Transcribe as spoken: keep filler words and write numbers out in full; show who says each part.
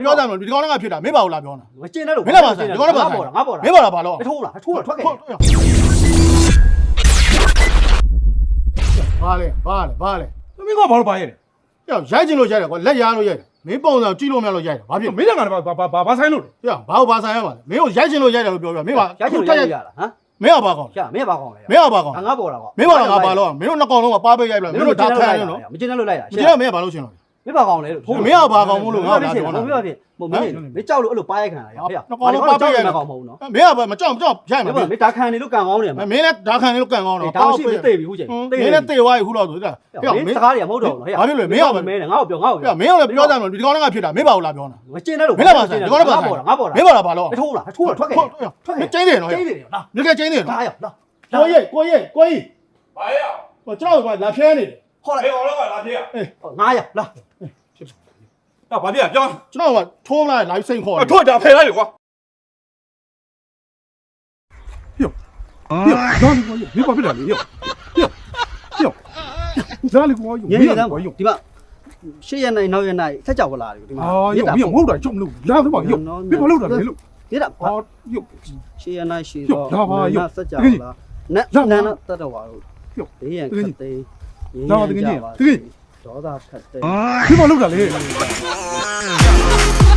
Speaker 1: ပြောကြမလို့ဒီကောင်ကဖြစ်တာမင်းပါဘူးလားပြောတာ
Speaker 2: မကျင်းတဲ့လို့
Speaker 1: မင်းလာပါဆိုင်ဒီကောင်ကပါဆိုင်
Speaker 2: ငါပေါ်တာ
Speaker 1: မင်းပါလားဘာလို့
Speaker 2: ထိုးလားထိုးလားထွက်ခဲ့
Speaker 1: ဘာလဲဘာလဲဘာလဲ
Speaker 3: မင်းကဘာလို့ပါရဲလဲ
Speaker 1: ပြောရိုက်ချင်လို့ရိုက်တယ်ကွာလက်ရားလို့ရိုက်တယ်မင်းပုံစံကြည့်လို့မရလို့ရိုက်တယ်ဘာဖြစ်
Speaker 3: မင်းကငါဘာဘာဘာဆိုင်လို့လဲ
Speaker 1: ပြောဘာဘာဆိုင်ရပါလဲမင်းကိုရိုက်ချင်လို့ရိုက်တယ်လို့ပြောပြမင်းပါ
Speaker 2: ရချင်လို့ရရလားဟမ်
Speaker 1: မင်းကဘာကောင်
Speaker 2: ရမင်းဘာကောင်းလဲ
Speaker 1: မင်းကဘာကောင်
Speaker 2: ငါပေါ်တာကော
Speaker 1: မင်းပါလားငါဘာလို့မင်းတို့နှစ်ကောင်လုံးကပါပိတ်ရိုက်လိုက်မင်းတို့ဒါခံရနော်
Speaker 2: မကျင်းတဲ့လို့လိုက်တာ
Speaker 1: မင်းကမင်းကဘာလို့ရှင်လို့
Speaker 2: မင်းဘာကောင်းလဲလို့
Speaker 1: မင်းကဘာကောင်မို့လို့ငါ့ကိုလာပြောတာ
Speaker 2: မင်းဘာဖြစ်မမင်းမင်းကြောက်လို့အဲ့လိုပါရိုက်ခံလာရဖေ။ကောင်းမဟုတ်နော်
Speaker 1: မင်းကဘာမကြောက်မကြောက်ရိုက်မှာ
Speaker 2: မင်းဒါခံနေလို့ကန်ကောင်းတယ်
Speaker 1: မင်းလည်းဒါခံနေလို့ကန်ကောင်းတော့
Speaker 2: ဒါရှိမသိပြီဟုတ်ချင်
Speaker 1: မင်းလည်းတေသွားပြီခုတော့ဆိုဒါ
Speaker 2: မင်းစကားတွေကမဟုတ်တော့ဘူးဟဲ့
Speaker 1: ဘာဖြစ်လို့မင်းက
Speaker 2: မင်းငါ့ကိုပြောငါ့ကို
Speaker 1: ပြောမင်းကလည်းပြောကြမလို့ဒီကောင်ကဖြစ်တာမင်းပါဘူးလားပြောတာ
Speaker 2: မကျင်းတဲ့လို့
Speaker 1: မင်းလာပါဆိုင်ဒီကောင်ကပါဆိုင်
Speaker 2: ငါပေါ်တာငါပေါ်တာ
Speaker 1: မင်းပါလားဘာလို့
Speaker 2: ထိုးလားထိုးလားထွက်ခဲ့
Speaker 1: ထွက်ကျင်းတယ်နော်
Speaker 2: ကျင်းတယ်လား
Speaker 1: မြက်ကကျင်းတယ်နော်
Speaker 2: လာရလား
Speaker 1: ကိုရဲ့ကိုရဲ့ကိုကြီး
Speaker 3: ဘာရ
Speaker 1: ဟိုကျွန်တော်ကလာဖျဲနေတယ်
Speaker 2: ဟော
Speaker 3: ဘယ်ကောင်လောက်ကလာပြေးอ่ะ
Speaker 2: ငါရလား
Speaker 3: တော့ဘာပြေးပြောင်း
Speaker 1: ကျွန်တော်ကထိုးလာလာစိတ်ခေါ်
Speaker 3: အထွက်တာဖယ်လိုက်လေကွာပြောပြောတော့မင်းဘာဖြစ်လဲပြောပြောပြောဇာလီကွာယူ
Speaker 2: ညနေသားဒီမှာရှေ့ရနိုင်နောက်ရနိုင်ဆက်ကြောက်လာတယ်ဒီမှာ
Speaker 3: အာယူမင်းမဟုတ်တာကြုံလို့လာတော့ပါယူမင်းဘာလုပ်တာလဲလို့
Speaker 2: ဒီတော့
Speaker 3: အာယူ
Speaker 2: ရှေ့ရနိုင်ရှေ့တော့ဆက်ကြောက်လာနတ်နန်းတတော်ပါတော့ဘေးရန်ခတ်သိမ်းဒေါသခတ်သိမ်း
Speaker 3: မင်းဘာလုပ်တာလဲ